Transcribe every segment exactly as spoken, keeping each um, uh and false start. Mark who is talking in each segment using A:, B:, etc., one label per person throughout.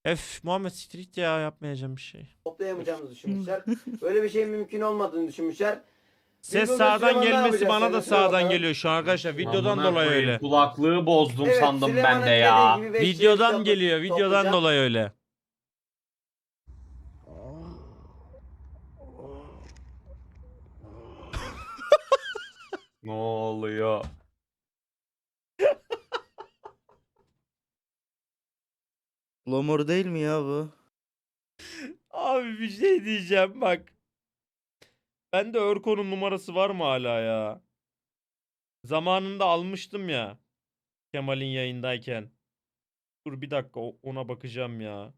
A: Ef Muhammed Street ya, yapmayacağım bir şey.
B: toplayamayacağımızı düşünmüşler. Böyle bir şeyin mümkün olmadığını düşünmüşler.
A: Ses
B: Biz burada
A: sağdan
B: Süleyman ne
A: gelmesi
B: yapacağız?
A: bana da
B: Söyle
A: sağdan
B: bakalım.
A: geliyor şu an arkadaşlar. Videodan
C: Amına
A: dolayı
C: koyayım,
A: öyle.
C: kulaklığı bozdum
B: Evet,
C: sandım
B: Süleyman'ın
C: ben de ya.
B: dediği gibi beş yüz
A: Videodan
B: topla-
A: geliyor. Videodan
B: toplayacağız.
A: dolayı öyle.
C: Ne oluyor?
D: Lomor değil mi ya bu?
A: Abi bir şey diyeceğim bak. Bende Örko'nun numarası var mı hala ya? Zamanında almıştım ya. Kemal'in yayındayken. Dur bir dakika, o- ona bakacağım ya.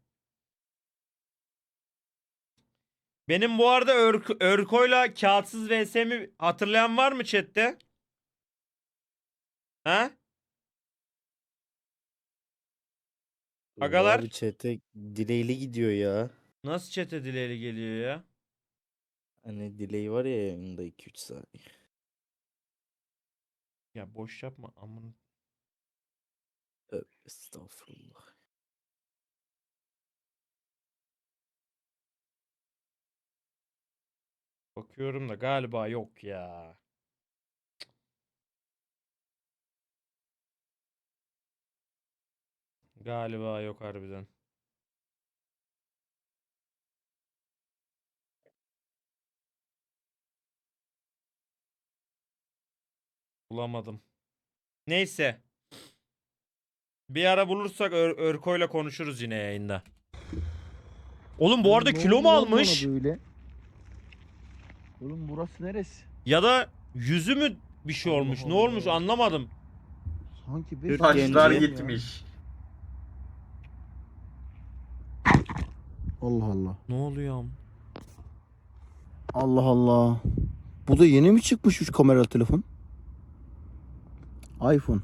A: Benim bu arada Örk Örko'yla kağıtsız V S'mi hatırlayan var mı chatte? Ha? Agalar?
D: Abi chat'e dileyli gidiyor ya.
A: Nasıl chat'e dileğiyle geliyor ya?
D: Hani delay var ya yayında iki üç saniye.
A: Ya boş yapma amın.
D: Tövbe estağfurullah.
A: Bakıyorum da galiba yok ya. Galiba yok harbiden. Bulamadım. Neyse. Bir ara bulursak Ör Örko'yla konuşuruz yine yayında. Oğlum bu arada
E: Ne
A: kilo
E: oldu
A: mu
E: lan
A: almış?
E: bana böyle? Oğlum burası neresi?
A: Ya da yüzü mü bir şey
E: Allah
A: olmuş? Ne
E: Allah.
A: olmuş anlamadım.
E: Sanki
D: Türk
E: beş
C: Taşlar
D: genci.
C: gitmiş.
E: Allah Allah.
A: Ne oluyor am?
E: Allah Allah. Bu da yeni mi çıkmış şu kameralı telefon? iPhone.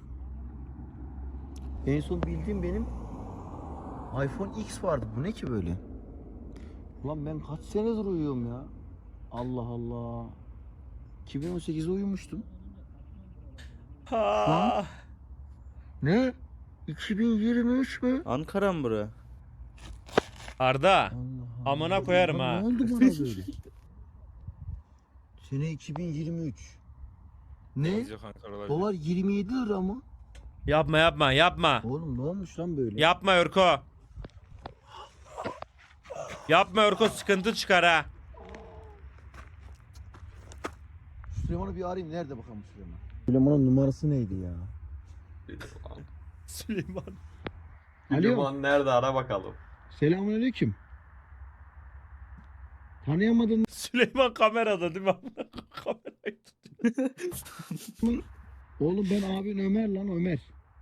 E: En son bildiğim benim iPhone X vardı. Bu ne ki böyle? Ulan ben kaç senedir uyuyorum ya. Allah Allah. iki bin on sekizde uyumuştum.
A: Ha.
E: Ne? iki bin yirmi üç mü?
D: Ankara mı bura?
A: Arda.
E: Allah Allah.
A: Amına koyarım
E: Lan
A: ha.
E: Ne oldu bana böyle? Sene iki bin yirmi üç. Ne? Dolar yirmi yedi lira mı?
A: Yapma yapma yapma.
E: Oğlum ne olmuş lan böyle?
A: Yapma Örko. Yapma Örko, sıkıntı çıkar ha.
E: Süleyman'ı bir arayayım. Nerede bakalım Süleyman? Süleyman'ın numarası neydi ya?
A: Süleyman.
E: Alo.
C: Süleyman nerede, ara bakalım.
E: Selamünaleyküm. Tanıyamadın
A: Süleyman kamerada değil mi? Kamerayı tutuyor.
E: mı? Oğlum ben abin Ömer lan Ömer.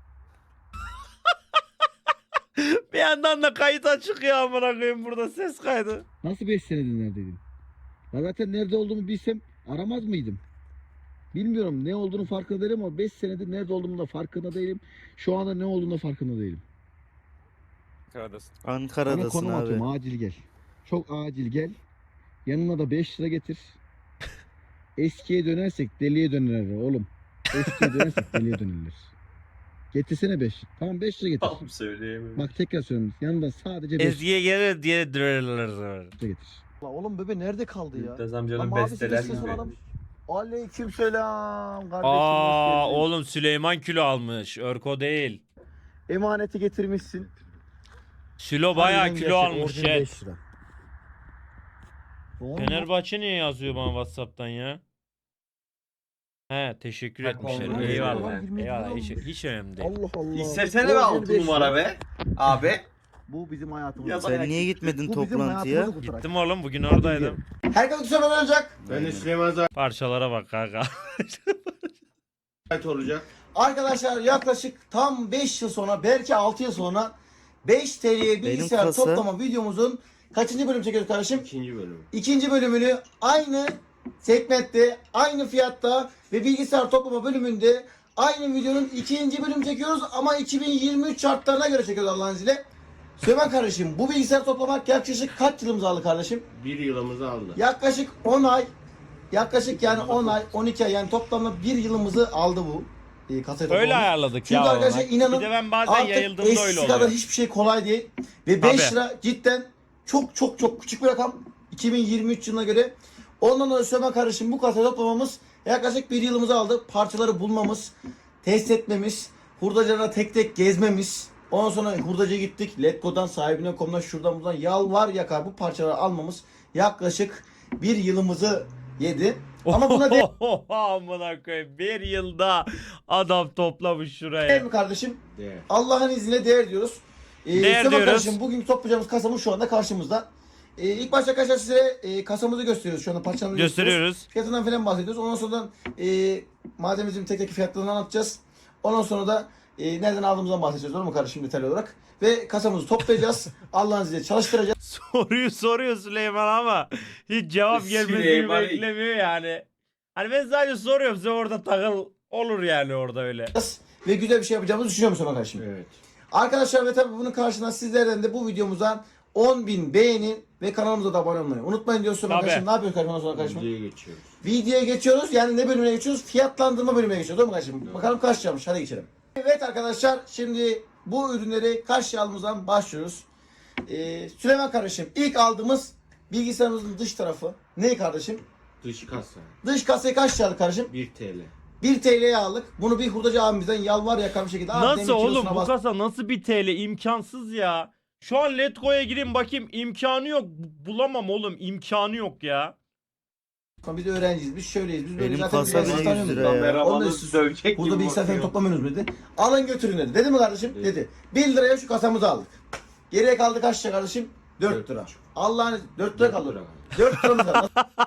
A: Bir yandan da kayıt açık ya, amına koyayım, burada ses kaydı.
E: Nasıl beş senedir neredeydin? Ya zaten nerede olduğumu bilsem aramaz mıydım? Bilmiyorum ne olduğunu farkında değilim ama beş senedir nerede olduğumu da farkında değilim. Şu anda ne olduğunu da farkında değilim. Sana
D: Ankara'dasın
E: konum
D: abi.
E: atıyorum, acil gel. Çok acil gel. Yanına da beş lira getir. Eskiye dönersek deliye dönerler oğlum. Eskiye dönersek deliye dönerler. Getirsene beş. Tamam beş lira getir.
C: Tam söyleyemiyorum.
E: Bak tekrar söylüyorum. Yanında sadece beş
A: Ezgi'ye gelir diye dırırırır.
E: lira getir. Oğlum bebe nerede kaldı ya?
C: Mümtaz amcanın
E: Ama abisi
C: besteler
E: de ses
C: gibi.
E: aramış. Aleyküm selam kardeşim.
A: Aa
E: hoş geldin.
A: oğlum, Süleyman kilo almış. Örko değil.
E: Emaneti getirmişsin.
A: Sülo bayağı
E: Harbiden
A: kilo
E: gerçek,
A: almış
E: orijinal
A: chat.
E: beş lira. Doğru mu?
A: Fenerbahçe niye yazıyor bana WhatsApp'tan ya? He, teşekkür
C: Bak,
A: etmişler.
C: olmaz.
A: Eyvallah.
E: yirmi yedi
A: Eyvallah. Hiç,
E: olmuş.
A: hiç önemli değil.
E: Allah Allah.
C: İstesene be
E: Orijinal
C: altı
E: beş lira.
C: numara be. Abi.
E: Bu bizim hayatımız.
C: Ya
D: Sen niye gitmedin
E: Bu bizim
D: toplantıya?
E: hayatımızı kurtaran.
A: Gittim oğlum, bugün oradaydım.
B: Herkes soru olacak.
E: Ben de
F: Süleyman
A: Parçalara bak kanka.
F: Zahmet olacak.
B: Arkadaşlar yaklaşık tam beş yıl sonra, belki altı yıl sonra beş T L'ye bilgisayar
D: kasa-
B: toplama videomuzun kaçıncı bölüm çekiyoruz kardeşim?
F: İkinci bölüm.
B: İkinci bölümünü aynı segmentte, aynı fiyatta ve bilgisayar toplama bölümünde aynı videonun ikinci bölüm çekiyoruz ama iki bin yirmi üç şartlarına göre çekiyoruz Allah'ın izniyle. Süleyman kardeşim, bu bilgisayar toplamak yaklaşık kaç yılımızı aldı kardeşim?
F: Bir yılımızı aldı.
B: Yaklaşık on ay, yaklaşık yani on ay, on iki ay, yani toplamda bir yılımızı aldı bu. e, kasayı
A: Öyle
B: toplamamız.
A: ayarladık
B: Çünkü
A: ya.
B: arkadaşlar
A: ona.
B: inanın
A: Bir de ben bazen
B: Artık
A: yayıldığımda öyle
B: eskisi kadar
A: oluyor.
B: hiçbir şey kolay değil. Ve beş
A: Tabii.
B: lira cidden çok çok çok küçük bir rakam. iki bin yirmi üç yılına göre. Ondan sonra Süleyman kardeşim bu kasayı toplamamız yaklaşık bir yılımızı aldı. Parçaları bulmamız, test etmemiz, hurdacılara tek tek gezmemiz. Ondan sonra hurdacıya gittik. Letgo'dan, sahibine nokta com'dan, şuradan buradan yalvar yakar bu parçaları almamız yaklaşık bir yılımızı yedi. Ama buna değer
A: Amına koyayım. Bir yılda adam toplamış şuraya.
B: mi kardeşim?
E: Değer.
B: Allah'ın izniyle değer diyoruz. Ee,
A: Değer
B: Süleyman
A: diyoruz.
B: kardeşim bugün toplayacağımız kasamız şu anda karşımızda. Ee, ilk başta arkadaşlar size e, kasamızı gösteriyoruz şu anda, parçalarını gösteriyoruz.
A: Gösteriyoruz.
B: Fiyatından falan bahsediyoruz. Ondan sonra e, malzememizin tek tek fiyatlarını anlatacağız. Ondan sonra da e, nereden aldığımızdan bahsedeceğiz, doğru mu kardeşim, detaylı olarak. Ve kasamızı toplayacağız. Allah'ın izniyle çalıştıracağız.
A: Soruyu soruyor Süleyman ama hiç cevap gelmesini
C: Süleyman-
A: beklemiyor yani. Hani ben sadece soruyorum, size orada takıl olur yani orada öyle.
B: Ve güzel bir şey yapacağımızı düşünüyorum Süleyman kardeşim.
E: Evet.
B: Arkadaşlar ve tabii bunun karşılığında sizlerden de bu videomuza on bin beğeni ve kanalımıza da abone olmayı unutmayın diyoruz Süleyman
A: Tabii.
B: kardeşim. Ne yapıyoruz kardeşim ondan sonra kardeşim?
E: Videoya geçiyoruz.
B: Videoya geçiyoruz. Yani ne bölümüne geçiyoruz? Fiyatlandırma bölümüne geçiyoruz. Değil mi kardeşim?
E: Evet.
B: Bakalım kaç liraymış. Hadi geçelim. Evet arkadaşlar, şimdi bu ürünleri kaç liradan başlıyoruz. Ee, Süleyman kardeşim, ilk aldığımız bilgisayarımızın dış tarafı ne kardeşim?
E: Dış kasa
B: Dış kasayı kaç lira aldık kardeşim?
E: bir TL.
B: bir T L'ye aldık. Bunu bir hurdacı abimizden yalvar yakar bir şekilde. Abi,
A: Nasıl
B: demin
A: oğlum
B: kilosuna
A: bu
B: bas-
A: kasa nasıl bir T L, imkansız ya. Şu an Letgo'ya gireyim bakayım, imkanı yok. Bulamam oğlum, imkanı yok ya.
B: Biz öğrenciyiz. Biz şöyleyiz. Biz böyle
D: Benim
B: zaten
D: kasa
B: bilgisayar
D: bile
B: tanıyoruz.
D: yüz lira ya.
C: Kameramanı
B: Onu da-
C: dövecek
B: Burada
C: gibi
B: bilgisayar falan
C: bakıyor.
B: toplamıyorsunuz dedi. Alın götürün dedi. Dedi mi kardeşim?
E: Dedi.
B: Dedi. bir liraya şu kasamızı aldık. Geriye kaldı kaç lira kardeşim? dört
E: Dört
B: lira.
E: buçuk.
B: Allah'ın dört lira kaldı.
E: lira.
B: dört liramız kaldı.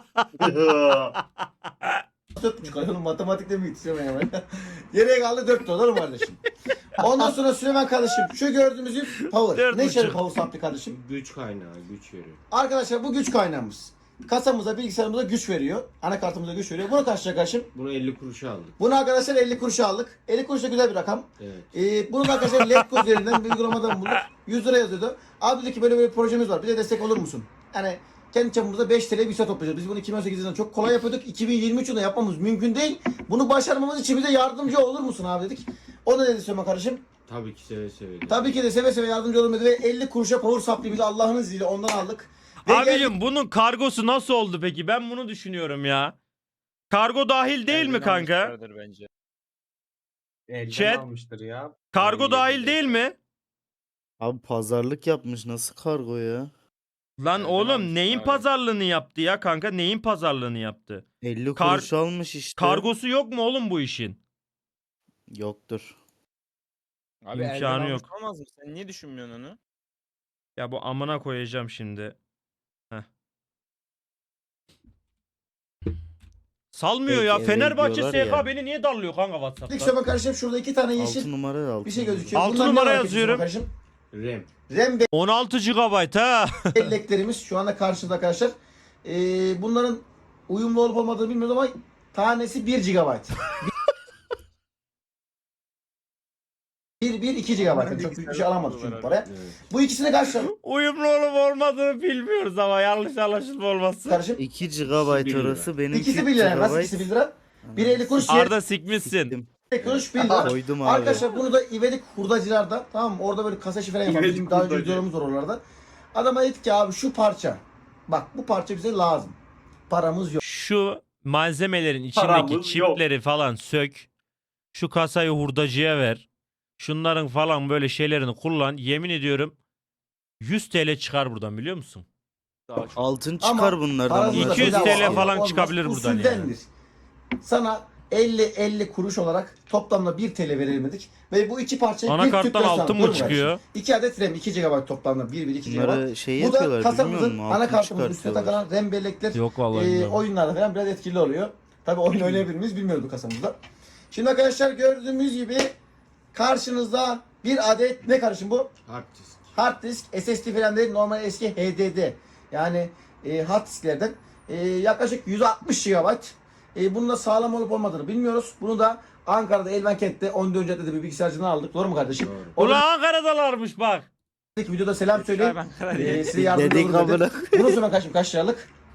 B: dört buçuk lira. Oğlum matematikte mi yetişemem ya? Geriye kaldı dört lira. Doğru mu kardeşim? Ondan sonra Süleyman kardeşim şu gördüğümüz ip power.
A: Dört
B: Ne işe
A: buçuk.
B: power saplı kardeşim?
E: Güç kaynağı, güç veriyor.
B: Arkadaşlar bu güç kaynağımız. Kasamıza, bilgisayarımıza güç veriyor. Anakartımıza güç veriyor. Bunu kaç lira kardeşim?
E: Bunu elli kuruşa aldık.
B: Bunu arkadaşlar elli kuruşa aldık. elli kuruş da güzel bir rakam.
E: Evet.
B: Ee, bunu da arkadaşlar Letgo üzerinden bir uygulamadan bulduk. yüz lira yazıyordu. Abi dedi ki böyle böyle bir projemiz var. Bize destek olur musun? Yani kendi çapımızda beş T L bir saat toplayacağız. Biz bunu iki bin on sekiz yılında çok kolay yapıyorduk. iki bin yirmi üç yılında yapmamız mümkün değil. Bunu başarmamız için bize yardımcı olur musun abi dedik. O da dedi Süleyman kardeşim.
E: Tabii ki seve seve. de.
B: Tabii ki de seve seve yardımcı olur dedi ve elli kuruşa power supply bizi Allah'ın izniyle ondan aldık. Ve geldik-
A: Abicim bunun kargosu nasıl oldu peki? Ben bunu düşünüyorum ya. Kargo dahil değil mi kanka?
F: Bence.
C: Elden
A: Chat.
C: almıştır ya.
A: Kargo
C: elli
A: dahil
C: yedi.
A: değil mi?
D: Abi pazarlık yapmış, nasıl kargo ya?
A: Lan
C: Nereden
A: oğlum
C: almıştır
A: neyin
C: abi?
A: pazarlığını yaptı ya kanka? Neyin pazarlığını yaptı?
D: elli
A: Kar-
D: kuruş almış işte.
A: Kargosu yok mu oğlum bu işin?
D: Yoktur.
F: Abi
A: İmkanı
F: elden almış
A: yok.
F: olmaz mı? Sen niye düşünmüyorsun onu?
A: Ya bu amına koyacağım şimdi. Heh. Salmıyor
D: Belki
A: ya.
D: eve
A: Fenerbahçe S
D: gidiyorlar
A: K
D: ya.
A: beni niye darlıyor kanka
B: Dedik
A: WhatsApp'ta?
B: Süleyman kardeşim şurada iki tane
D: altı
B: yeşil
D: numara altı
B: bir şey
D: numara.
B: gözüküyor.
A: Altı
B: Bunlar ne
A: numara
B: var peki Süleyman
A: yazıyorum.
B: kardeşim?
E: RAM.
B: RAM
A: on altı gigabayt ha.
B: belleklerimiz şu anda karşımızda arkadaşlar. Ee, bunların uyumlu olup olmadığını bilmiyoruz ama tanesi bir gigabayt. bir bir iki gigabayt. Yani çok büyük bir şey alamadık çünkü paraya.
E: Evet.
B: Bu ikisini kaç lira
A: Uyumlu olup olmadığını bilmiyoruz ama yanlış anlaşılma olmasın.
B: kardeşim?
D: iki gigabayt
E: bir lira.
D: orası, benim
B: İkisi bir lira. Nasıl ikisi bir lira? Biri elli kuruş, diğeri
A: Arda sikmişsin.
D: Siktim.
B: elli kuruş bir lira.
D: Koydum abi.
B: Arkadaşlar bunu da İvedik hurdacılarda, tamam mı? Orada böyle kasa şifre yapalım.
C: İvedik
B: Bizim daha önce
C: hurdacı.
B: videolarımız var oralarda. Adama dedik ki abi şu parça. Bak bu parça bize lazım. Paramız yok.
A: Şu malzemelerin
C: Paramız
A: içindeki
C: yok.
A: çipleri falan sök. Şu kasayı hurdacıya ver. Şunların falan böyle şeylerini kullan. Yemin ediyorum yüz T L çıkar buradan, biliyor musun?
F: Daha çok.
D: Altın
B: Ama
D: çıkar bunlardan.
B: Paranız da
D: bunlar.
A: iki yüz
B: bedava
A: T L
B: alıyor.
A: falan
B: Olmaz.
A: çıkabilir buradan yani.
B: Usuldendir. Sana elli elli kuruş olarak toplamda bir T L verilmedik. Ve bu iki parçayı bir
A: Anakarttan
B: tüple sana.
A: altın
B: Dur
A: mı
B: be
A: çıkıyor?
B: kardeşim. iki adet RAM, iki gigabayt toplamda. bir bir iki gigabayt.
D: Bunları şey
B: Bu da
D: yapıyorlar, bilmiyor
B: kasamızın
D: musun? Altın
B: anakartımızın üstüne
D: çıkartıyorlar.
B: takılan RAM bellekler
A: Yok vallahi
B: e,
A: bilmiyorum.
B: oyunlarda falan biraz etkili oluyor. Tabi oyun oynayabilir miyiz bilmiyoruz bu kasamızda. Şimdi arkadaşlar gördüğümüz gibi karşınızda bir adet ne karışım bu?
E: Hard disk.
B: Hard disk, S S D falan değil, normal eski H D D. Yani e, hard disklerden. E, yaklaşık yüz altmış gigabayt. E, bunun da sağlam olup olmadığını bilmiyoruz. Bunu da Ankara'da Elvankent'te on dördüncü caddede bir bilgisayarcıdan aldık. Doğru mu kardeşim?
E: Doğru.
B: Orada
A: Ulan Ankara'dalarmış bak.
B: videoda selam söyleyeyim.
F: Ben karar
B: E,
F: vereyim.
B: size yardımcı
D: Dedik
B: olur dedi.
D: amına.
B: Bunu sonra kaç, kaç liralık?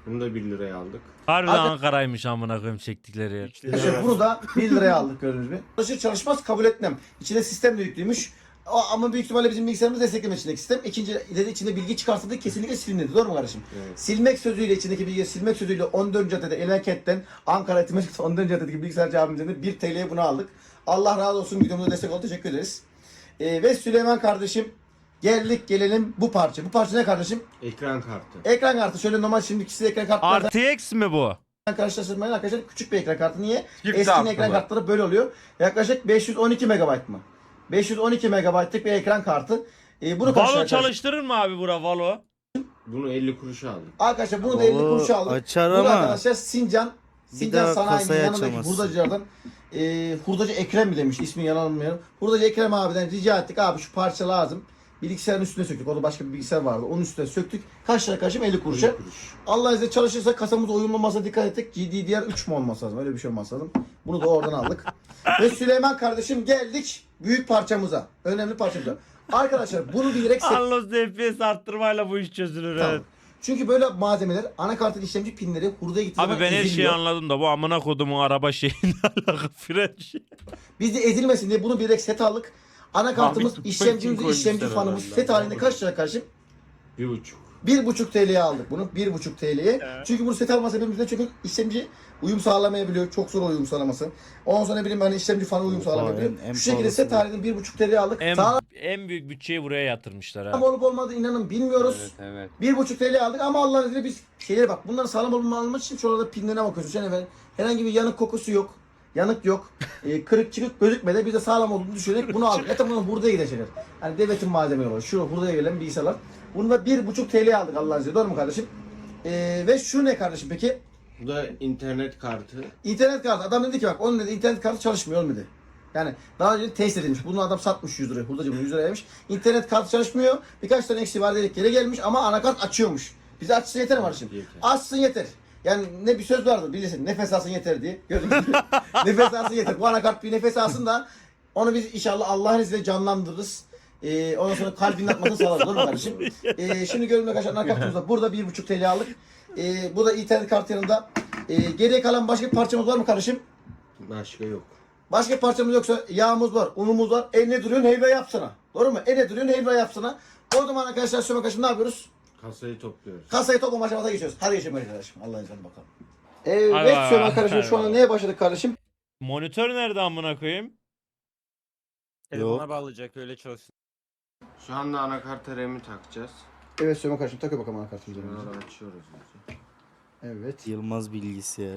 C: Bunu da bir liraya aldık.
A: Harbiden
B: Abi-
A: Ankara'ymış amına koyayım çektikleri yer.
B: İşte bunu da bir liraya aldık gördüğünüz gibi. Çalışır çalışmaz kabul etmem. İçinde sistem de yüklüymüş. O, ama büyük ihtimalle bizim bilgisayarımız desteklemek içindeki sistem. İkinci dedi içinde bilgi çıkarsa kesinlikle silinirdi. Doğru mu kardeşim?
C: Evet.
B: Silmek sözüyle içindeki bilgiyi silmek sözüyle on dördüncü caddede Elenket'ten Ankara Etimatik on dördüncü caddedeki bilgisayarcı abimizden de bir T L'ye bunu aldık. Allah razı olsun, videomuza destek oldu. Teşekkür ederiz. Ee, ve Süleyman kardeşim geldik gelelim bu parça. Bu parça ne kardeşim?
C: Ekran kartı.
B: Ekran kartı. Şöyle normal şimdi ikisi de ekran kartları.
A: R T X mi bu?
B: Karşılaştırmayın arkadaşlar, küçük bir ekran kartı. Niye?
F: Çift
B: Eski
F: taraflı
B: ekran
F: mı?
B: kartları böyle oluyor. Yaklaşık beş yüz on iki megabayt mı? beş yüz on iki megabaytlık bir ekran kartı. Ee, bunu
A: Valo
B: karşılaştırın.
A: çalıştırır mı abi bura Valo?
C: Bunu elli kuruşa aldık.
B: Arkadaşlar bunu da elli
D: Oo,
B: kuruş aldık.
D: açar
B: Bunu
D: ama
B: arkadaşlar Sincan Sincan
D: daha
B: Sanayi'nin
D: kasayı
B: yanındaki
D: açamazsın.
B: hurdacılardan e, hurdacı Ekrem mi demiş, ismini yanılmıyorum. Hurdacı Ekrem abiden rica ettik, abi şu parça lazım. Bilgisayarın üstüne söktük. Orada başka bir bilgisayar vardı. Onun üstüne söktük. Kaç lira karşım? elli kuruşa.
C: elli kuruş.
B: Allah izniyle çalışırsa kasamız uyumlamasına dikkat ettik. G D D R üç mü olması lazım? Öyle bir şey olması lazım. Bunu da oradan aldık. Ve Süleyman kardeşim geldik büyük parçamıza. Önemli parçamıza. Arkadaşlar bunu bilerek set...
A: Anlos F P S arttırmayla bu iş çözülür
B: Tamam.
A: evet.
B: Çünkü böyle malzemeler anakartın işlemci pinleri hurdaya gittiği
A: Abi
B: zaman
A: ben her şeyi
B: eziliyor.
A: anladım da bu amına kodumun araba şeyine alakalı fren şey.
B: Biz de ezilmesin diye bunu bilerek set aldık. Anakartımız,
C: Abi,
B: işlemcimiz,
C: koymuşlar
B: işlemci fanımız
C: herhalde.
B: set halinde kaç lira kardeşim?
C: Bir buçuk.
B: bir buçuk T L'ye aldık bunu. bir buçuk T L'ye. Çünkü bunu set alma sebebimiz de çünkü işlemci uyum sağlamayabiliyor. Çok zor uyum sağlaması. Ondan sonra ne bileyim hani işlemci fanı uyum
D: Oha,
B: sağlamayabiliyor.
D: en- en
B: Şu şekilde
D: pahalısı
B: set
D: bu.
B: halinde bir buçuk T L'ye aldık.
A: En,
B: Sağlam
A: en büyük bütçeyi buraya yatırmışlar ha.
B: olup olmadığı inanın bilmiyoruz.
F: Evet evet.
B: bir buçuk T L'ye aldık ama Allah'ın izniyle biz şeylere bak. Bunların sağlam olma almak için şurada pinlerine bakıyoruz. Yani efendim, herhangi bir yanık kokusu yok. Yanık yok. E, kırık çıkık gözükmedi. Biz de sağlam olduğunu düşünerek bunu aldık. Zaten bunun hurdaya gidecekler. Hani devletin malzemeleri var. Şu hurdaya gelen bilgisayarlar. Bunu da bir buçuk T L'ye aldık Allah'ın izniyle. Doğru mu kardeşim? E, ve şu ne kardeşim peki?
C: Bu da internet kartı.
B: İnternet kartı. Adam dedi ki bak onun dedi internet kartı çalışmıyor oğlum dedi. Yani daha önce test edilmiş. Bunu adam satmış yüz liraya. Hurdacı bunu yüz liraya vermiş. İnternet kartı çalışmıyor. Birkaç tane eksiği var dedik. Geri gelmiş ama anakart açıyormuş. Bize açsın yeter mi kardeşim?
C: Yeter.
B: Açsın yeter. Yani ne bir söz vardır bilirsin. Nefes alsın yeter diye. Gördünüz mü? Nefes alsın yeter. Bu anakart bir nefes alsın da onu biz inşallah Allah'ın izniyle canlandırırız. Ee, ondan sonra kalbinin atmasını sağlarız. Doğru mu kardeşim? Ee, şimdi görün arkadaşlar anakartımızda. Burada bir buçuk T L aldık. Ee, bu da internet kartı yanında. Ee, geriye kalan başka bir parçamız var mı kardeşim?
C: Başka yok.
B: Başka parçamız yoksa yağımız var, unumuz var. E ne duruyorsun helva yapsana. Doğru mu? E ne duruyorsun helva yapsana. O zaman arkadaşlar şu arkadaşlar ne yapıyoruz?
C: Kasayı topluyoruz.
B: Kasayı toplama aşamasına geçiyoruz. Hadi geçelim arkadaşım. Allah'ın izniyle bakalım.
A: Hadi
B: Evet
A: bakalım.
B: Süleyman kardeşim şu anda
A: Hadi
B: neye başladık kardeşim?
A: Monitör nerede amına koyayım?
F: Telefona bağlayacak öyle çalışsın.
C: Şu anda anakarta R A M'i takacağız.
B: Evet Süleyman kardeşim takıyor bakalım anakartımızı.
C: Bunları açıyoruz. önce.
B: Evet.
D: Yılmaz bilgisayar.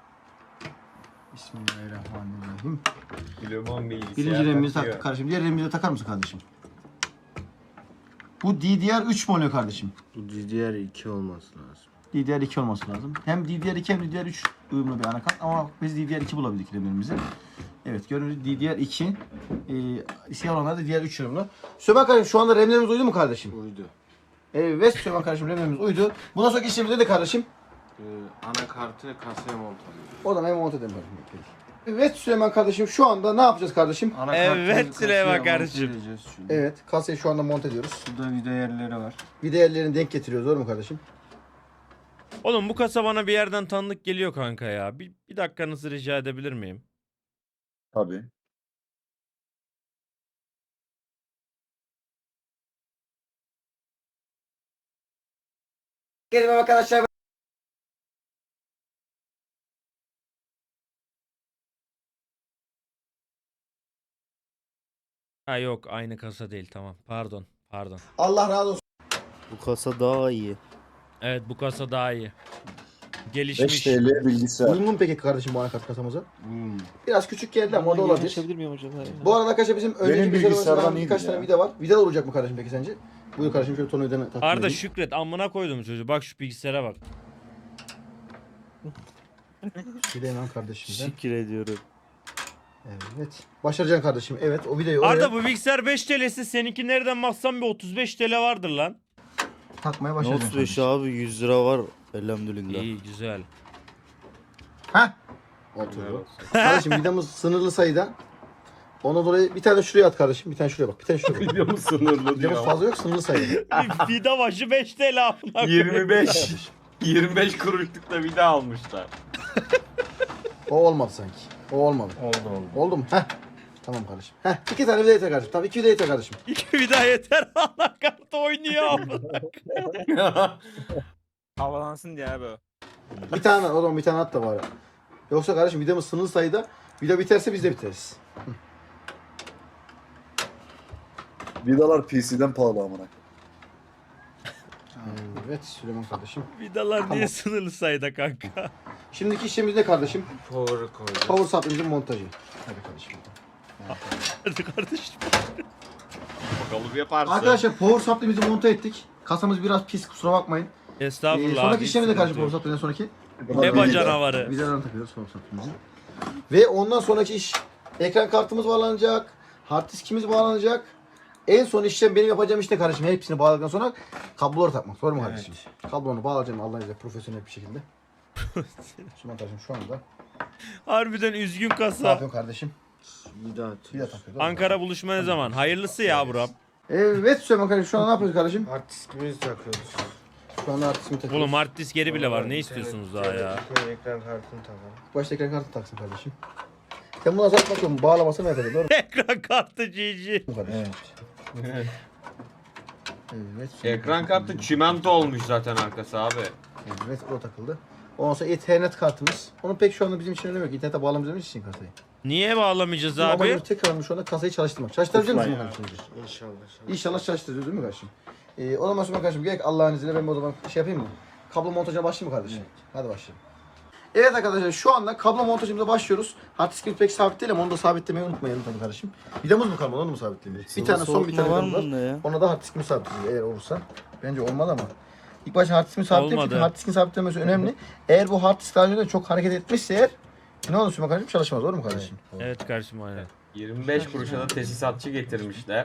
B: Bismillahirrahmanirrahim.
F: Bilmem bilgisayar.
B: Birinci remimizi taktık kardeşim. Diğer remimizi de takar mısın kardeşim? Bu D D R üç mü oluyor kardeşim?
C: Bu D D R iki olması lazım.
B: D D R iki olması lazım. Hem D D R iki hem D D R üç uyumlu bir anakart ama biz D D R iki bulabildik RAM'imizi. Evet gördüğünüz D D R iki. E, siyah olanlar da D D R üç uyumlu. Süleyman kardeşim şu anda RAM'lerimiz uydu mu kardeşim?
C: Uydu.
B: Evet Süleyman kardeşim RAM'lerimiz uydu. Bundan sonraki işlemimizde de kardeşim.
C: Ee, anakartı kasaya monte alıyoruz.
B: O da hem monte edelim kardeşim. Evet Süleyman kardeşim şu anda ne yapacağız kardeşim?
C: Anakartı
A: Evet, Süleyman
C: kasaya
A: kardeşim.
C: monte edeceğiz şimdi.
B: Evet kasayı şu anda monte ediyoruz.
C: Burada vida yerleri var.
B: Bir değerlerini denk getiriyoruz doğru mu kardeşim?
A: Oğlum bu kasa bana bir yerden tanıdık geliyor kanka ya. Bir, bir dakikanızı rica edebilir miyim?
G: Tabii.
B: Gelin arkadaşlar.
A: Ha yok aynı kasa değil tamam. Pardon. Pardon.
B: Allah razı olsun.
D: Bu kasa daha iyi.
A: Evet bu kasa daha iyi.
G: beş
A: Gelişmiş.
G: T L bilgisayar.
B: Uyumlu mu peki kardeşim bu anakart kasamıza?
C: Hmm.
B: Biraz küçük geldi ama o da olabilir.
D: Açabilir miyim hocam?
B: Bu arada arkadaşlar bizim önceki
G: Benim
B: bilgisayarımızda
G: bilgisayardan
B: birkaç
G: iyiydi
B: tane
G: ya.
B: vida var. Vida olacak mı kardeşim peki sence? Buyur kardeşim şöyle tornavidanı takdim
A: Arda
B: edeyim.
A: Şükret amına koydum çocuğu. Bak şu bilgisayara bak.
B: Bir de hemen kardeşimden.
D: Teşekkür ediyorum.
B: Evet. Başaracaksın kardeşim. Evet o videoyu oraya
A: Arda bu bilgisayar beş T L'si seninki nereden baksan bir otuz beş T L vardır lan.
B: takmaya
D: Ne
B: başaracaksın.
D: otuz beş
B: kardeşim.
D: abi yüz lira var elhamdülillah.
A: İyi güzel.
B: Heh. Oturdu. Kardeşim vidamız sınırlı sayıda. Ona dolayı bir tane şuraya at kardeşim. Bir tane şuraya bak. Bir tane şuraya bak.
C: Videomuz sınırlı
B: Vidamız fazla yok sınırlı sayıda.
A: Bir Vida başı beş T L amına koyayım.
C: yirmi beş. yirmi beş kuruşluk da vida almışlar.
E: O olmadı sanki. O olmadı.
C: Oldu oldu.
E: Oldu mu? Heh. Tamam kardeşim. Heh. İki tane vida yeter kardeşim. Tamam iki vida yeter kardeşim.
A: İki bir daha yeter. Anakartı oynuyor amına.
F: Havalansın diye abi o.
E: Bir tane o zaman bir tane at da var. Yoksa kardeşim vidamız sınırlı sayıda. Vida biterse biz de biteriz.
G: Vidalar P C'den pahalı amına.
E: Evet Süleyman kardeşim.
A: Vidalar niye
E: Tamam.
A: sınırlı sayıda kanka?
E: Şimdiki işlemimiz ne kardeşim?
C: Power'ı koyacağız.
E: Power supply'mizin montajı. Hadi kardeşim.
A: Hadi kardeşim.
C: Bakalım yaparsın.
E: Arkadaşlar power supply'mizi monte ettik. Kasamız biraz pis kusura bakmayın. Ee,
A: Estağfurullah.
E: sonraki
A: abi,
E: işlemimiz ne kardeşim
A: sıkıntı
E: power
A: yok.
E: supply'den sonraki?
A: Eba canavarı.
E: Vidalarını takıyoruz power supply'mizi. Ve ondan sonraki iş ekran kartımız bağlanacak. Hard diskimiz bağlanacak. En son işlem benim yapacağım işte kardeşim. Hepsini bağladıktan sonra kabloları takmak. Doğru mu kardeşim? Kabloları bağlayacağım Allah'ın izniyle profesyonel bir şekilde. Süleyman kardeşim şu anda.
A: Harbiden üzgün
E: Ne
A: kasa.
E: yapıyorsun kardeşim?
C: Vida atıyoruz.
E: Vida takıyor. değil mi?
A: Ankara buluşma ne zaman? Hayırlısı ya buram.
E: Evet Süleyman kardeşim şu an ne yapıyoruz kardeşim?
C: Hard diskimizi takıyoruz.
E: Şu anda hard diskimi takıyoruz.
A: Oğlum hard disk geri bile var. Ne istiyorsunuz daha ya?
C: Ekran kartını takalım.
E: Başta ekran kartı taksın kardeşim. Sen bunu azalt bakalım. Bağlaması mı yapacak? Doğru mu?
A: Ekran kartı G G.
E: Bu kadar.
C: Evet.
E: Evet.
C: Ekran kartı çimento olmuş zaten arkası abi.
E: Evet o takıldı. Ondan sonra Ethernet kartımız. Onun pek şu anda bizim için önemi yok. İnternete bağlamayacağımız için kasayı.
A: Niye bağlamayacağız
E: Ama
A: abi?
E: amacımız tekrar şu anda kasayı çalıştırmak. Çalıştırabilir misin kardeşim?
C: İnşallah.
E: İnşallah çalıştırıyoruz değil mi kardeşim? Ee, o zaman sonra kardeşim gerek Allah'ın izniyle ben o zaman şey yapayım mı? Kablo montajına başlayayım mı kardeşim? Hadi başlayalım. Evet arkadaşlar şu anda kablo montajımıza başlıyoruz. Hard diskimiz pek sabit değil ama onu da sabitlemeyi unutmayalım tabii kardeşim. Vidamız mı kalmadı onu mu sabitleyelim? Bir tane son bir tane
D: var
E: vidamız
D: mı
E: var.
D: bunda ya?
E: Ona da hard diskimi sabitleyeceğiz eğer olursa. Bence olmalı ama. İlk başta hard diskimi sabitleyelim çünkü
A: Olmadı.
E: hard diskin sabitlemesi önemli. Eğer bu hard disk daha önce de çok hareket etmişse eğer ne olur Süleyman kardeşim çalışmaz doğru mu kardeşim?
A: Evet kardeşim aynen.
C: yirmi beş kuruşa da tesisatçı getirmişler.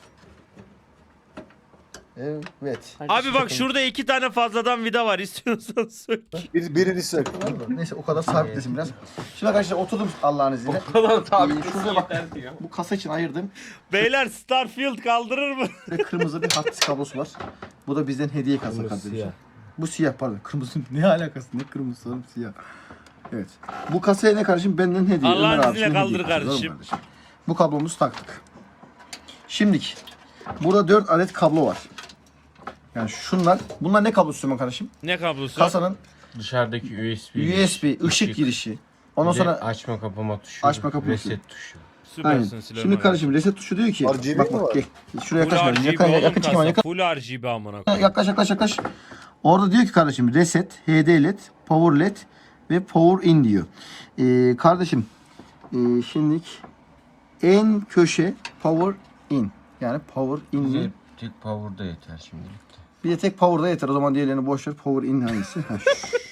E: Evet.
A: Abi bak şurada iki tane fazladan vida var. İstiyorsan söyle.
G: Bir, birini sök.
E: Neyse o kadar sabitlesin biraz. Şimdi arkadaşlar oturdum Allah'ın izniyle.
C: O kadar tabi
E: Ee, şurada bak.
C: yeter diyor.
E: Bu kasa için ayırdım.
A: Beyler Starfield kaldırır mı?
E: Ve kırmızı bir hard disk kablosu var. Bu da bizden hediye kasa kardeşim.
C: siyah.
E: Bu siyah pardon. Kırmızı ne alakası? Ne kırmızı oğlum siyah. Evet. Bu kasaya ne kardeşim? Benden hediye.
A: Allah'ın
E: Ömer abisinin
A: izniyle
E: hediye
A: kaldır
E: kasası,
A: kardeşim.
E: doğru mu Bu kablomuzu taktık. Şimdiki. Burada dört adet kablo var. Yani şunlar. Bunlar ne kablosu Süleyman kardeşim?
A: Ne kablosu?
E: Kasanın
C: Dışarıdaki U S B.
E: U S B ışık girişi. Ondan
C: Bir de
E: sonra
C: açma kapama tuşu.
E: Açma kapama tuşu.
C: Reset tuşu.
E: aynen.
A: Süpersin Süleyman.
E: Şimdi kardeşim reset tuşu diyor ki
G: R G B
E: bak
G: mi
E: bak
G: var?
E: gel. Şuraya
A: Full
E: yaklaş.
A: R G B
E: Yakın,
A: oğlum
E: yakın çekim
A: kasa.
E: yakın.
A: Full R G B amına koyayım.
E: Yaklaş yaklaş yaklaş. Orada diyor ki kardeşim reset, H D L E D, power L E D ve power in diyor. Ee, kardeşim e, şimdilik en köşe power in. Yani power in.
C: Bize tek power'da yeter şimdilik.
E: Bir de tek power'da yeter. O zaman diğerlerini boş ver. Power in hangisi? Ha,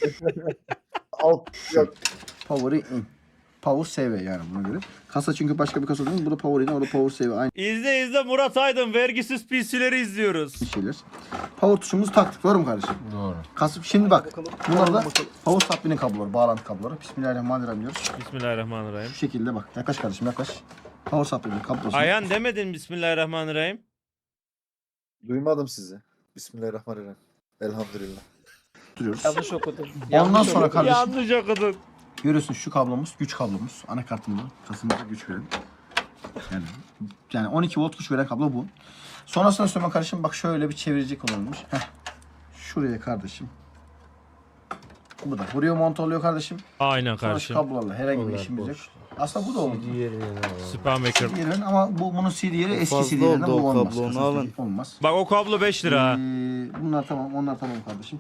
G: Alt yok.
E: power in. Power S V yani buna göre. Kasa çünkü başka bir kasa değil mi? Bu da power in, o da power S V. Aynı
A: İzle izle Murat Aydın vergisiz P C'leri izliyoruz.
E: şeyler. Power tuşumuzu taktık. Doğru mu kardeşim?
C: Doğru.
E: Kasıp şimdi bak. Bunlar da power supply'nin kabloları, bağlantı kabloları. Bismillahirrahmanirrahim diyoruz.
A: Bismillahirrahmanirrahim.
E: Şu şekilde bak. Yaklaş kardeşim yaklaş. Power supply'nin kablosu.
A: Ayhan demedin Bismillahirrahmanirrahim.
G: Duymadım sizi. Bismillahirrahmanirrahim. Elhamdülillah.
E: Duruyoruz.
F: Yanlış okudum.
E: Ondan sonra kardeşim
A: Yanlış okudun.
E: görüyorsun şu kablomuz güç kablomuz. Anakartımızda kasımıza güç veren. Yani, yani on iki volt güç veren kablo bu. Sonrasında Süleyman kardeşim bak şöyle bir çevirici kullanılmış. Heh. Şuraya kardeşim. Bu da buraya monte oluyor kardeşim.
A: Aynen
E: Sonra şu
A: kardeşim.
E: kablolarla herhangi bir işimiz yok. Aslında bu da oldu.
A: Süpermaker.
E: C D yerin ama bu bunun C D yeri eski
D: fazla
E: C D yerinden
D: oldu
E: bu
D: o
E: olmaz.
D: kablo, onu
E: Kasasındaki
D: alın.
E: Olmaz.
A: Bak o kablo beş lira ha.
E: Ee, bunlar tamam, onlar tamam kardeşim.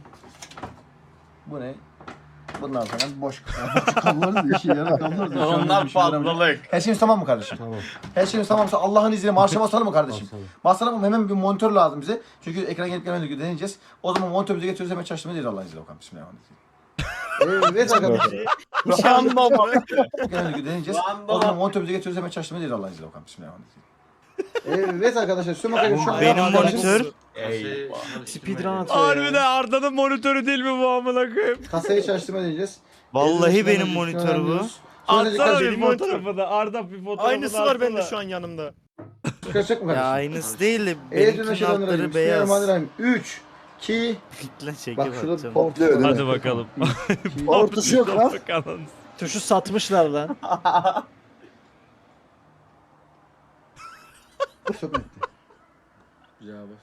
E: Bu ne? Bunlar falan boş kablolar da işe yarar kablolar da. Şu anda
C: Onlar
E: bir işe yaramıyor.
C: fazlalık.
E: Her şeyimiz tamam mı kardeşim? Tamam. Her şeyimiz tamamsa Allah'ın izniyle marşa basalım mı kardeşim? Basalım mı? Hemen bir monitör lazım bize. Çünkü ekran gelip gelmediği deneyeceğiz. O zaman monitörümüzü getiriyoruz hemen çalıştırmayı değil Allah'ın izniyle bakalım. Bismillahirrahmanirrahim. Evet arkadaşlar.
C: Hiç anlamadım.
E: Gelmediği deneyeceğiz. O zaman monitörümüzü getiriyoruz hemen çalıştırmayı değil Allah'ın izniyle bakalım. Bismillahirrahmanirrahim. Evet arkadaşlar. Süleyman kardeşim şu an
D: Benim
E: arkadaşlar-
D: monitör.
F: Speedrun atıyor ya.
A: Harbiden Arda'nın monitörü değil mi bu amına koyayım?
E: Kasayı çalıştırma deneyeceğiz.
D: Vallahi
E: Elini
D: benim
E: üstüne
D: monitör bu.
E: alıyoruz. Sonra
A: Atsana
E: dikkat
A: bir
E: edin.
A: fotoğrafını. Arda bir fotoğrafını
F: Aynısı var bende
A: atsana.
F: şu an yanımda.
E: Çıkaracak mı
D: Ya
E: kardeşim?
D: aynısı değil de
E: Eğer
D: benimkinin
E: şeyden
D: altları beyaz.
E: Bismillahirrahmanirrahim. üç,
B: iki.
D: Lan şeker
B: Bak şurada bir
D: atacağım.
B: power
G: Patlıyor değil mi?
A: Hadi bakalım.
G: Power tuşu yok lan.
A: Bakalım.
F: Tuşu satmışlar lan.
B: Sökmekti.
C: Güzel bas.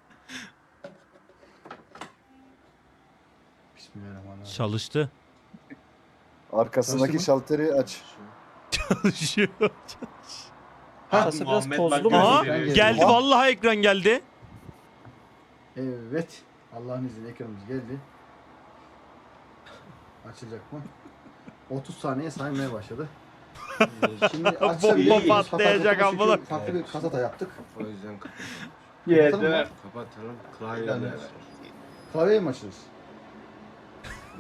B: Bismillahirrahmanirrahim.
A: Çalıştı.
G: Arkasındaki
B: Çalıştı mı?
G: şalteri aç.
A: Çalışıyor.
F: Kasa biraz tozlu mu?
A: Aha,
B: gösteriyor.
A: geldi
G: Aha.
A: vallahi ekran geldi.
B: Evet. Allah'ın izniyle ekranımız geldi. Açılacak mı? otuz saniye saymaya başladı. Ee, Şimdi açabilir
A: Bomba
B: miyiz?
A: patlayacak
B: Fakat
A: amına.
B: çünkü farklı bir kasata yaptık.
C: O yüzden kapat.
B: Kapatalım mı?
C: Kapatalım. Klavyeler.
B: Klavyeye mi açılır? Ee,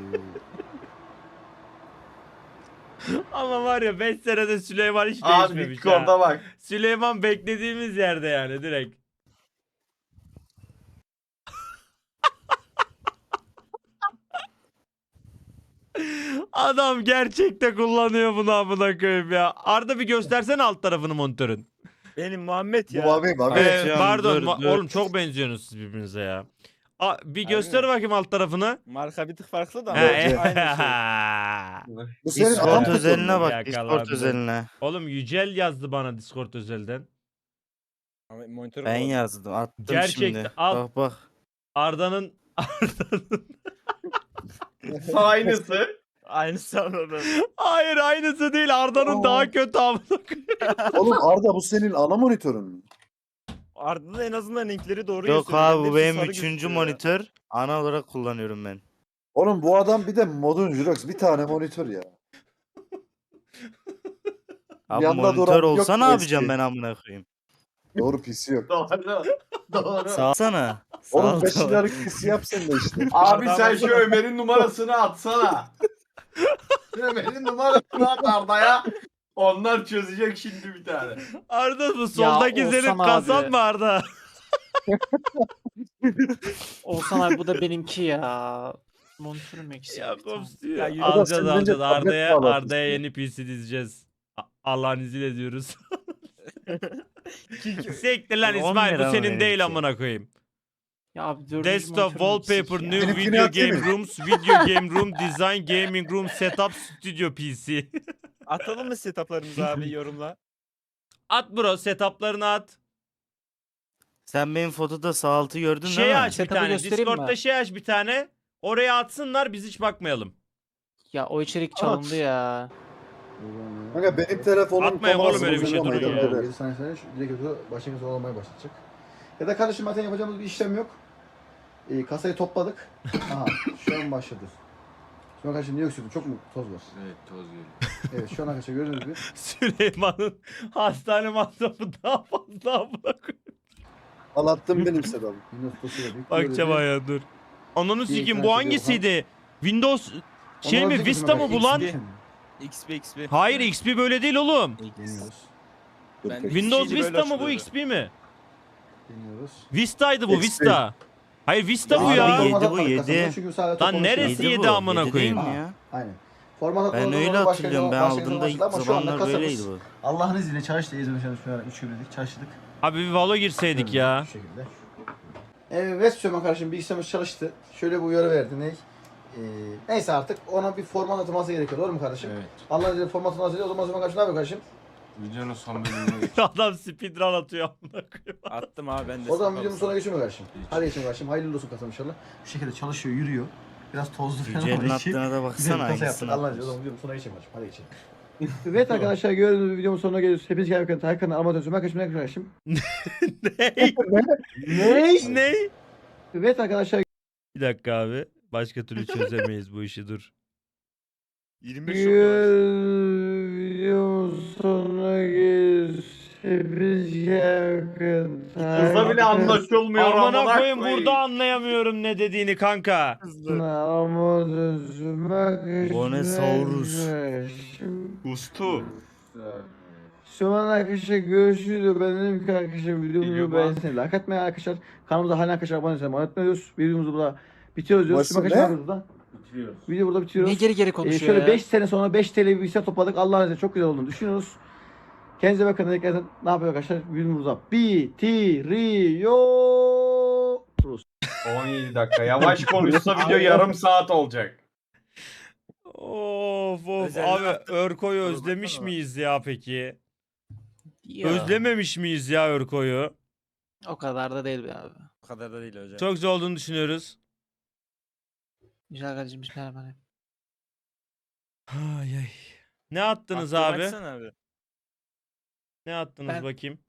A: Ama var ya beş senede Süleyman hiç değişmemiş ha.
C: bak.
A: Süleyman beklediğimiz yerde yani direkt. Adam gerçekte kullanıyor bunu amına koyayım ya. Arda bir göstersene alt tarafını monitörün.
F: Benim Muhammed
G: Bu
F: ya.
G: mavi mavi.
A: Ee,
D: Canım,
A: pardon
D: dur,
A: ma-
D: dur.
A: oğlum çok benziyorsunuz siz birbirinize ya. A, bir
F: Harbi
A: göster
F: mi?
A: bakayım alt tarafını.
F: Marka bir tık farklı da.
A: Ha,
F: ama
G: Bence.
F: aynı şey.
G: Bu senin
D: Discord
G: adam
D: özeline bak.
A: Yakalandı.
D: Discord özeline.
A: Oğlum Yücel yazdı bana Discord özelden.
F: Ama monitörü
D: Ben
F: kapalı.
D: yazdım. Attım
A: Gerçekten,
D: şimdi.
A: al.
D: Bak bak.
A: Arda'nın Arda'nın
C: Aynısı.
F: Aynı sanırım.
A: Hayır aynısı değil. Arda'nın daha kötü amına koyayım.
G: Oğlum Arda bu senin ana monitörün mü?
F: Ardından en azından renkleri doğru
D: Yok
F: gösteriyor.
D: abi
F: Hepsi
D: bu benim
F: sarı
D: üçüncü
F: gözüküyor ya.
D: monitör. Ana olarak kullanıyorum ben.
G: Oğlum bu adam bir de modun Jirox bir tane monitör ya.
D: Abi
G: Yanda
D: monitör
G: duran
D: olsa
G: yok
D: ne
G: mu
D: yapacağım
G: eski?
D: ben amına koyayım?
G: Doğru P C yok.
C: Doğru. Doğru.
D: Sağsana. Sağ
G: Oğlum
D: ol,
G: beş
D: tamam.
G: liralık P C yap sen de işte.
C: Abi sen şu Ömer'in numarasını atsana. Ömer'in numarasını at Arda'ya. Onlar çözecek şimdi bir tane.
A: Arda bu soldaki
H: Oğuzhan
A: senin
H: abi.
A: kasan mı Arda?
H: Olsan abi bu da benimki ya. Monitörüm eksik.
A: Ya
H: bir tane.
A: kops diyor.
F: Ya yürü.
A: Alacağız
G: Adam, sen
A: alacağız.
G: bence tablet
A: Arda'ya
G: bağlatırsın.
A: Arda'ya yeni P C dizeceğiz. A- Allah'ın izniyle diyoruz. Sektir lan
D: On
A: İsmail bu
D: lira mı
A: senin değil
D: benimki?
A: amına koyayım.
H: Ya abi dördüncü
A: Desktop,
H: monitörüm eksik
A: wallpaper,
H: ya.
A: new
G: Benimkini
A: video
G: atayım
A: game
G: mı?
A: rooms, video game room, design, gaming room, setup, studio P C.
F: Atalım mı setuplarımızı abi yorumla?
A: At bro setuplarını at.
D: Sen benim fotoda sağ altı gördün
A: Şey
D: değil mi?
A: aç bir
H: Setup'ı
A: tane.
H: göstereyim mi?
A: Discord'da şey aç bir tane. Oraya atsınlar biz hiç bakmayalım.
H: Ya o içerik çalındı ya.
G: Kanka benim telefonum
A: Atmayın oğlum öyle bir şey,
G: kamerası
A: durun
G: bozuldu
A: ya.
G: ama
B: yedi saniye sonra şu direkt ötürü başlangıç olamaya başlayacak. Ya da kardeşim zaten yapacağımız bir işlem yok. Ee, kasayı topladık. Aha şu an başladı. Şu an kardeşim niye öksürdün? Çok mu toz var?
C: Evet toz geliyor.
B: Evet şu an arkadaşlar gördüğünüz gibi.
A: Süleyman'ın hastane masrafı daha fazla amına koyayım.
G: Anlattım benim Sedat'ım.
B: Windows dosyayla büyük.
A: Bakacağım ya dur. Ananı
B: Bir
A: sikeyim
B: ekran
A: bu
B: çekiyor,
A: hangisiydi? Windows şey
B: Ondan
A: mi
B: önceki
A: Vista mı
B: mesela
A: bu lan?
B: X P.
F: X P X P.
A: Hayır X P böyle değil oğlum.
B: Deniyoruz.
G: Dur,
F: Ben-
G: peki.
A: Windows
F: Şeydi, böyle
A: Vista mı bu
F: açılıyordu.
A: X P mi?
B: Deniyoruz.
A: Vista'ydı bu
G: X P.
A: Vista. Hayır Vista bu
D: Abi
A: ya.
D: yedi
B: format
D: bu,
B: atmadık
D: yedi.
B: kasada, çünkü sadece
A: Lan
B: toplamış
A: neresi
B: yani.
A: yedi
D: bu,
A: amına
D: yedi
A: koyayım?
D: değil mi
B: Ha,
D: ya?
B: Aynen. Format
D: Ben
B: atmadık,
D: öyle
B: başka
D: hatırlıyorum. Ben
B: başka
D: aldığımda ilk
B: başladı ama şu anda
D: zamanlar
B: kasamız-
D: böyleydi bu.
B: Allah'ın izniyle çalıştı. İzmir şu an üç gündür çalıştık.
A: Abi bir Valo girseydik ya.
B: Şu şekilde. Evet Süleyman kardeşim bilgisayarımız çalıştı. Şöyle bir uyarı verdi. Ne? Ee, neyse artık ona bir format atılması gerekiyor. Doğru mu kardeşim?
C: Evet.
B: Allah'ın izniyle format atılması gerekiyor. O zaman Süleyman kardeşim ne yapıyor kardeşim?
C: Videonun son bölümüne geç.
A: Adam speedrun atıyor amına koyayım.
F: Attım abi ben de.
B: O zaman
F: setup
B: videonun sonuna
F: alsam.
B: geçiyor mu kardeşim? Hadi geçelim kardeşim. Hayırlı olsun kasam inşallah. Bu şekilde çalışıyor, yürüyor. Biraz tozlu falan
D: Yücel'in
B: ama işi.
D: attığına da
B: Güzel bir
D: baksana
B: kasa yaptık.
D: hangisini
B: Allah'ın izniyle o
D: atmış.
B: zaman videonun sonuna geçelim kardeşim. Hadi geçelim. Evet arkadaşlar gördüğünüz gibi videomun sonuna geliyoruz. Hepiniz gelmek üzere. Hakan'ın amatör Süleyman kardeşim. kardeşim.
A: ne? ne?
B: Evet arkadaşlar
A: Bir dakika abi. Başka türlü çözemeyiz bu işi dur.
F: yirmi beş çok yavaş.
B: videomun sonuna geliyoruz. Hepiniz gelmek
C: Kızla bile anlaşılmıyor
A: Amına
C: amına
A: koyayım burada anlayamıyorum ne dediğini kanka.
D: Bonesaurus.
C: Ustu.
B: Şu an arkadaşlar görüşürüz. Ben dedim ki arkadaşlar videomuzu
C: Biliyorum
B: beğenseniz. Like atmayın arkadaşlar. Kanalımıza hala arkadaşlar abone olmayı unutmuyoruz. Videomuzu burada bitiriyoruz diyoruz.
G: Nasıl
B: Şimdi arkadaşlar
G: ne?
B: ne yapıyoruz burada?
C: Bitiriyoruz.
B: Video burada
H: Niye
B: bitiriyoruz.
H: geri geri
B: Ee,
H: konuşuyor
B: şöyle
H: ya?
B: beş sene sonra beş T L bir bilgisayar topladık. Allah'ın izniyle çok güzel olduğunu düşünüyoruz. Kendinize bakın. Tekrardan ne yapıyor arkadaşlar? Videomuz burada bitiriyoruz.
C: on yedi dakika. Yavaş konuşsa video yarım saat olacak.
A: Of of
F: Özelden
A: abi
F: attım.
A: Örko'yu
F: Dur
A: özlemiş
F: baksana.
A: miyiz ya peki?
H: Ya.
A: Özlememiş miyiz ya Örko'yu?
H: O kadar da değil be abi.
F: O kadar da değil hocam.
A: Çok güzel olduğunu düşünüyoruz.
H: Güzel kardeşim bismillahirrahmanirrahim.
A: Ay ay. Ne attınız
F: Attığımı
A: abi?
F: açsana abi.
A: Ne attınız
H: Ben-
A: bakayım?